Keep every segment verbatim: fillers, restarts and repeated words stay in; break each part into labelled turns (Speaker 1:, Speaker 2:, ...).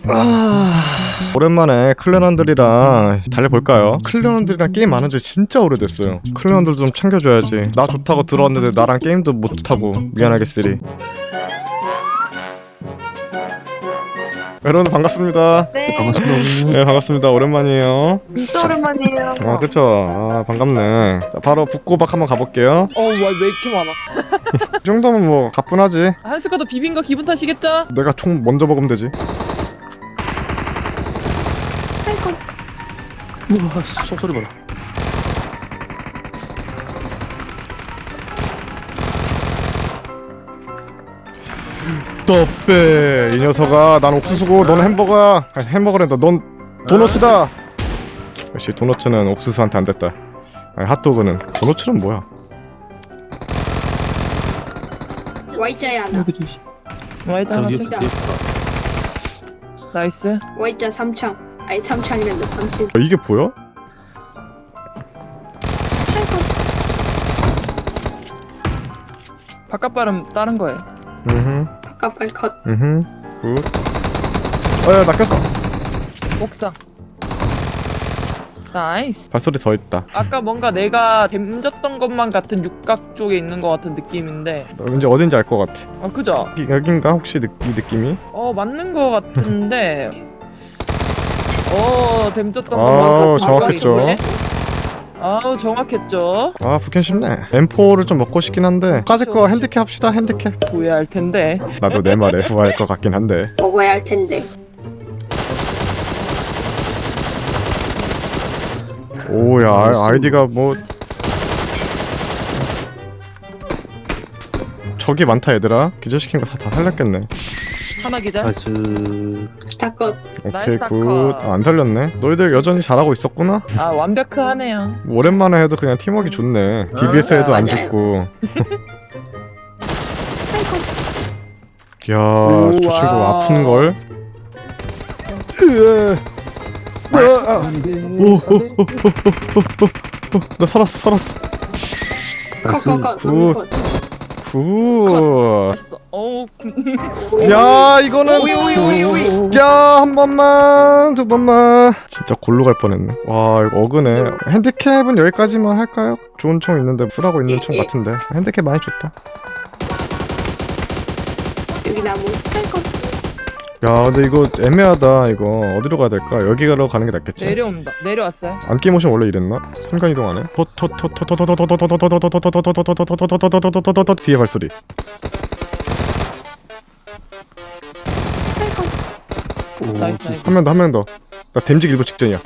Speaker 1: 아... 오랜만에 클랜원들이랑 달려볼까요? 클랜원들이랑 게임 안 한 지 진짜 오래됐어요. 클랜원들 좀 챙겨줘야지. 나 좋다고 들어왔는데 나랑 게임도 못하고 미안하게 쓰리. 여러분 반갑습니다.
Speaker 2: 네.
Speaker 3: 반갑습니다.
Speaker 1: 네 반갑습니다. 오랜만이에요.
Speaker 2: 진짜 오랜만이에요.
Speaker 1: 아 그쵸? 아 반갑네. 자, 바로 북고박 한번 가볼게요.
Speaker 4: 어, 와, 왜 이렇게 많아?
Speaker 1: 이 정도면 뭐 가뿐하지.
Speaker 4: 한 스쿼드 비빈 거 기분 탓이겠죠?
Speaker 1: 내가 총 먼저 먹으면 되지.
Speaker 3: 우와, 총소리 봐라.
Speaker 1: 떡배 이 녀석아. 난 옥수수고 넌 햄버거야. 아니, 햄버거랜다. 넌 도너츠다. 역시 도너츠는 옥수수한테 안 됐다. 아니 핫도그는. 도너츠는 뭐야?
Speaker 2: Y자야 하나.
Speaker 4: 여기 조심. 와이드 하나
Speaker 3: 저기
Speaker 4: 책.
Speaker 2: 진짜.
Speaker 4: 나이스.
Speaker 2: Y자 삼창. 아니 삼창이면 너 삼창.
Speaker 1: 아, 이게 보여?
Speaker 4: 바깥 발음 다른 거예요.
Speaker 1: 음흠
Speaker 2: 바깥발 컷.
Speaker 1: 음흠 굿. 어야 낚였어.
Speaker 4: 옥상. 나이스.
Speaker 1: 발소리 더 있다.
Speaker 4: 아까 뭔가 내가 댐졌던 것만 같은 육각 쪽에 있는 것 같은 느낌인데.
Speaker 1: 왠지 어딘지 알 것 같아.
Speaker 4: 아, 그죠?
Speaker 1: 이- 여긴가 혹시 느, 이 느낌이?
Speaker 4: 어, 맞는 것 같은데. 어, 댐졌던
Speaker 1: 아우,
Speaker 4: 것만 같은
Speaker 1: 정확했죠.
Speaker 4: 육각이 있네. 아우, 정확했죠.
Speaker 1: 아 북캠 쉽네. 엠포를 좀 먹고 싶긴 한데 까짓 거 핸디캡 합시다. 핸디캡.
Speaker 4: 후회할 텐데.
Speaker 1: 나도 내 말에 후회할 것 같긴 한데.
Speaker 2: 먹어야 할 텐데.
Speaker 1: 오야 아, 아이디가 뭐 적이 많다 얘들아. 기절시킨 거 다 다 살렸겠네.
Speaker 4: 하나 기자.
Speaker 3: 나이스.
Speaker 2: 다 컷.
Speaker 1: 오케이
Speaker 4: 나이스
Speaker 1: 굿.
Speaker 4: 다카.
Speaker 1: 아, 안 살렸네. 너희들 여전히 잘하고 있었구나.
Speaker 4: 아, 완벽하네요.
Speaker 1: 오랜만에 해도 그냥 팀워크 좋네. 디비에스 해도 안
Speaker 2: 맞아요.
Speaker 1: 죽고. 야, 저 친구
Speaker 4: 우와.
Speaker 1: 아픈 걸. 나 살았어, 살았어.
Speaker 3: 나이스.
Speaker 2: 컷컷컷.
Speaker 1: 굿.
Speaker 2: 컷.
Speaker 1: 굿.
Speaker 4: 됐어. 어우.
Speaker 1: 야, 이거는.
Speaker 2: 오이 오이 오이 오이.
Speaker 1: 야, 한 번만, 두 번만. 진짜 골로 갈 뻔했네. 와, 이거 어그네. 핸디캡은 여기까지만 할까요? 좋은 총 있는데 쓰라고 있는 총 같은데. 핸디캡 많이 좋다.
Speaker 2: 여기 나무. 컷.
Speaker 1: 야, 근데 이거 애매하다. 이거 어디로 가야 될까? 여기로 가는 게 낫겠지?
Speaker 4: 내려온다. 내려왔어요.
Speaker 1: 안기 모션 원래 이랬나? 순간 이동하네. 뒤에 발소리.
Speaker 3: 오,
Speaker 4: 나이스, 나이스.
Speaker 1: 한 명 더, 한 명 더. 나 댐직 일부 직전이야.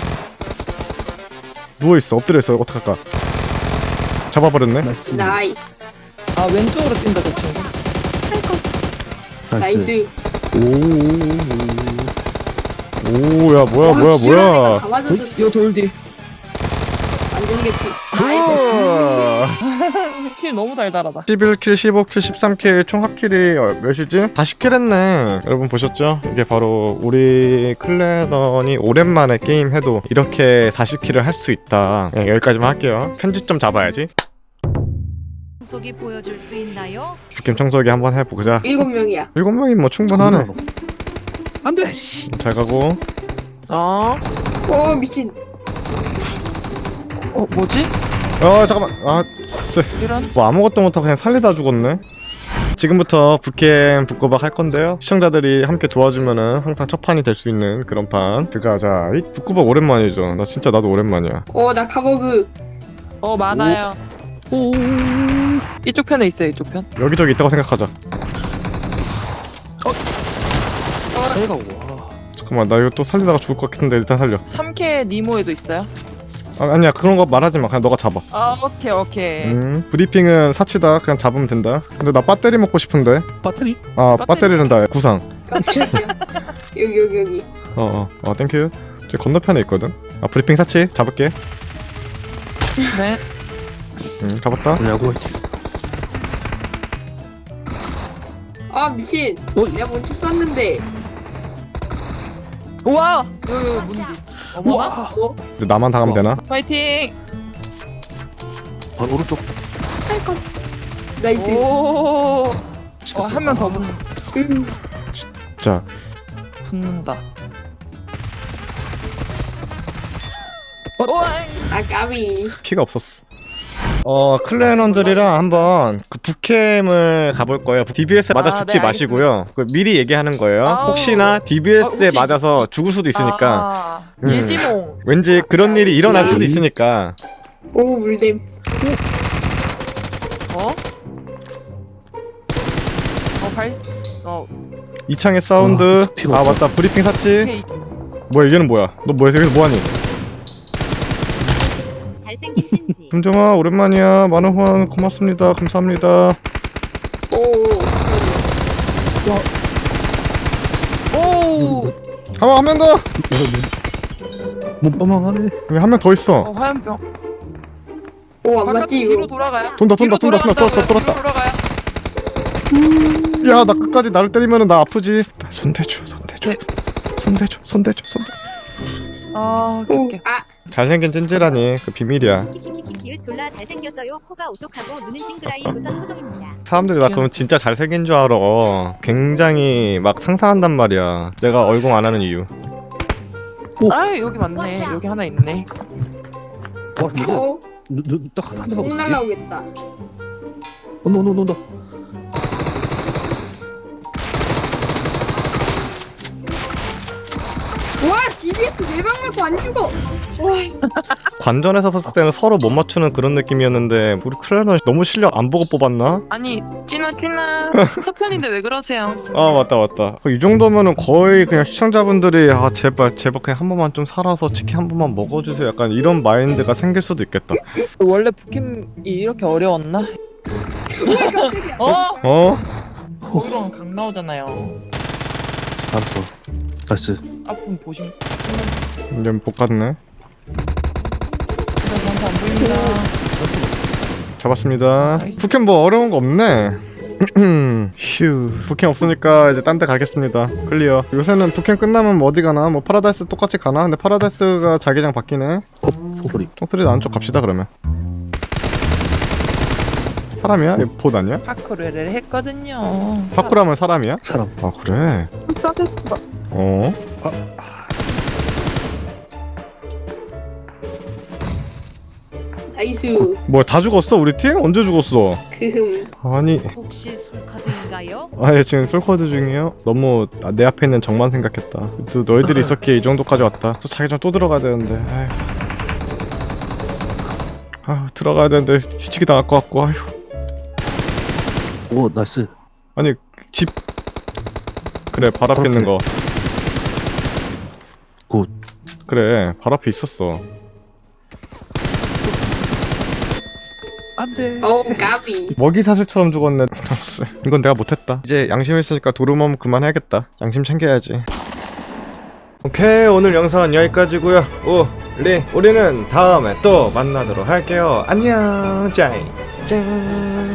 Speaker 1: 누워 있어. 엎드려 있어. 어떡할까? 잡아버렸네.
Speaker 3: 나이스.
Speaker 2: 나이스.
Speaker 4: 아, 왼쪽으로 뛴다, 저 친구.
Speaker 2: 나이스.
Speaker 1: 오, 야 뭐야 뭐야 뭐야.
Speaker 2: 가만둬도
Speaker 4: 요 돌 뒤.
Speaker 2: 안 들리겠지.
Speaker 1: 굿.
Speaker 4: 킬 너무 달달하다.
Speaker 1: 십일 킬, 십오 킬, 십삼 킬 총 합킬이 어, 몇이지? 사십 킬 했네. 여러분 보셨죠? 이게 바로 우리 클랜원이 오랜만에 게임 해도 이렇게 사십 킬을 할 수 있다. 네, 여기까지만 할게요. 편집 좀 잡아야지.
Speaker 5: 청소기 보여줄 수 있나요?
Speaker 1: 죽김 청소기 한번 해보자.
Speaker 2: 일곱 명이야.
Speaker 1: 일곱 명이 뭐 충분하네.
Speaker 3: 안 돼. 씨.
Speaker 1: 잘 가고.
Speaker 4: 어?
Speaker 2: 오 미친.
Speaker 4: 어, 뭐지?
Speaker 1: 어 잠깐만. 아, 쓰.
Speaker 4: 이런?
Speaker 1: 뭐 아무것도 못하고 그냥 살리다 죽었네. 지금부터 북캠 북고박 할 건데요. 시청자들이 함께 도와주면은 항상 첫 판이 될 수 있는 그런 판 들어가자. 이 북고박 오랜만이죠. 나 진짜 나도 오랜만이야.
Speaker 2: 오나 카버그.
Speaker 4: 어, 많아요. 오. 이쪽 편에 있어요, 이쪽 편.
Speaker 1: 여기저기 있다고 생각하자.
Speaker 3: 차이가 와.
Speaker 1: 잠깐만 나 이거 또 살리다가 죽을 것 같은데 일단 살려.
Speaker 4: 삼 K 니모에도 있어요?
Speaker 1: 아, 아니야 그런 거 말하지 마. 그냥 너가 잡아.
Speaker 4: 아, 오케이, 오케이.
Speaker 1: 음 브리핑은 사치다. 그냥 잡으면 된다. 근데 나 배터리 먹고 싶은데.
Speaker 3: 배터리?
Speaker 1: 아
Speaker 4: 배터리?
Speaker 1: 배터리는 다 구상.
Speaker 2: 깜짝이야. 여기 여기 여기.
Speaker 1: 어어 어, 어 땡큐. 저 건너편에 있거든. 아 브리핑 사치 잡을게.
Speaker 4: 네.
Speaker 1: 음 잡았다.
Speaker 3: 뭐냐고.
Speaker 2: 아 미친.
Speaker 3: 어?
Speaker 2: 내가 먼저 쐈는데.
Speaker 4: 우와! 여기, 여기 문디. 어머나?
Speaker 3: 와.
Speaker 2: 어?
Speaker 1: 이제 나만 당하면 되나?
Speaker 4: 파이팅!
Speaker 3: 바로 오른쪽.
Speaker 2: 나이스.
Speaker 4: 오! 어,
Speaker 3: 시켰어.
Speaker 4: 한 명 더 붙네.
Speaker 2: 음.
Speaker 1: 자
Speaker 4: 붙는다.
Speaker 3: 어?
Speaker 2: 아 까비.
Speaker 1: 피가 없었어. 어 클랜원들이랑 한번 그 북캠을 가볼 거예요. 디비에스에 맞아
Speaker 4: 아,
Speaker 1: 죽지
Speaker 4: 네,
Speaker 1: 마시고요. 그 미리 얘기하는 거예요.
Speaker 4: 아우.
Speaker 1: 혹시나 디비에스에
Speaker 4: 아, 혹시-
Speaker 1: 맞아서 죽을 수도 있으니까
Speaker 4: 아,
Speaker 1: 음.
Speaker 4: 일지몽.
Speaker 1: 왠지 그런 일이 일어날 수도 있으니까.
Speaker 2: 오 물댐.
Speaker 4: 어? 어, 발, 어,
Speaker 1: 이창의 사운드.
Speaker 3: 어, 피가
Speaker 1: 아
Speaker 3: 없다.
Speaker 1: 맞다 브리핑 샀지.
Speaker 4: 오케이.
Speaker 1: 뭐야 얘는 뭐야? 너 뭐야 여기서 뭐하니?
Speaker 5: 잘생긴 신지.
Speaker 1: 금정아 오랜만이야. 많은 후원 고맙습니다. 감사합니다.
Speaker 2: 오.
Speaker 4: 오!
Speaker 1: 한번 한명 더.
Speaker 3: 몸빵망하네.
Speaker 1: 여기 한 명 더 있어.
Speaker 4: 어, 화염병.
Speaker 2: 오 안
Speaker 4: 바깥
Speaker 2: 맞지
Speaker 4: 뒤로
Speaker 2: 이거.
Speaker 4: 돌아가요?
Speaker 1: 돈다, 돈다,
Speaker 4: 뒤로
Speaker 1: 돈다, 돈다,
Speaker 4: 돌아간다고요?
Speaker 1: 돌았다,
Speaker 4: 뒤로 돌아가요?
Speaker 1: 야 나 끝까지 나를 때리면은 나 아프지. 손대줘 손대줘
Speaker 4: 네.
Speaker 1: 손대줘 손대줘 손대.
Speaker 4: 아, 오케이,
Speaker 2: 오.
Speaker 4: 오케이.
Speaker 2: 아
Speaker 1: 잘생긴 찐질하니 그 비밀이야.
Speaker 5: 키키키키키 졸라 잘생겼어요. 코가 오똑하고 눈은 띵그라이 조선 호종입니다.
Speaker 1: 사람들이 나 그러면 진짜 잘생긴 줄 알아. 굉장히 막 상상한단 말이야. 내가 얼공 안 하는 이유.
Speaker 4: 아, 여기 맞네. 여기 하나 있네.
Speaker 3: 와 이거
Speaker 2: 어.
Speaker 3: 눈딱한 대만
Speaker 2: 공
Speaker 3: 없었지?
Speaker 2: 날라오겠다.
Speaker 3: 온다 온다 온다 온다.
Speaker 2: 와 디비에스 네방 맞고 안 죽어. 와.
Speaker 1: 관전에서 봤을 때는 서로 못 맞추는 그런 느낌이었는데 우리 클레너 너무 실력 안 보고 뽑았나?
Speaker 4: 아니, 찐아, 찐아. 서편인데 왜 그러세요?
Speaker 1: 아 맞다 맞다. 이 정도면은 거의 그냥 시청자분들이 아 제발 제발 그냥 한 번만 좀 살아서 치킨 한 번만 먹어주세요. 약간 이런 마인드가 생길 수도 있겠다.
Speaker 4: 원래 북캠이 이렇게 어려웠나?
Speaker 2: 깜짝이야.
Speaker 4: 어?
Speaker 1: 어?
Speaker 4: 거기로는 강 나오잖아요.
Speaker 3: 알았어. 나이스.
Speaker 4: 앞은 보시면
Speaker 1: 이제 못 갔네.
Speaker 4: 진짜 저한테 안 보입니다.
Speaker 1: 잡았습니다.
Speaker 4: 나이스.
Speaker 1: 북캠 뭐 어려운 거 없네. 휴. 북캠 없으니까 이제 딴 데 가겠습니다. 클리어. 요새는 북캠 끝나면 뭐 어디 가나? 뭐 파라다이스 똑같이 가나? 근데 파라다이스가 자기장 바뀌네.
Speaker 3: 어 소소리.
Speaker 1: 똥소리 나는 쪽 갑시다 그러면. 사람이야? 이거 봇 아니야?
Speaker 4: 파크를 했거든요.
Speaker 1: 파쿠라면 사람이야?
Speaker 3: 사람.
Speaker 1: 아 그래? 어?
Speaker 2: 나이스.
Speaker 1: 뭐야 다 죽었어 우리 팀? 언제 죽었어?
Speaker 2: 그흠.
Speaker 1: 아니
Speaker 5: 혹시 솔카드인가요?
Speaker 1: 아예 지금 솔코드 중이에요? 너무 아, 내 앞에 있는 정만 생각했다. 또 너희들이 있었기에 이 정도까지 왔다. 또 자기장 또 들어가야 되는데 아휴. 아 들어가야 되는데 뒤치기 당할 것 같고 아휴.
Speaker 3: 오 나이스.
Speaker 1: 아니 집 그래 발 앞에 있는 거
Speaker 3: 굿.
Speaker 1: 그래 발 앞에 있었어.
Speaker 3: 안돼.
Speaker 2: 어우 까비.
Speaker 1: 먹이 사슬처럼 죽었네. 이건 내가 못했다. 이제 양심 있으니까 도루멈 그만해야겠다. 양심 챙겨야지. 오케이 오늘 영상은 여기까지고요. 우리 우리는 다음에 또 만나도록 할게요. 안녕 짜이 짠.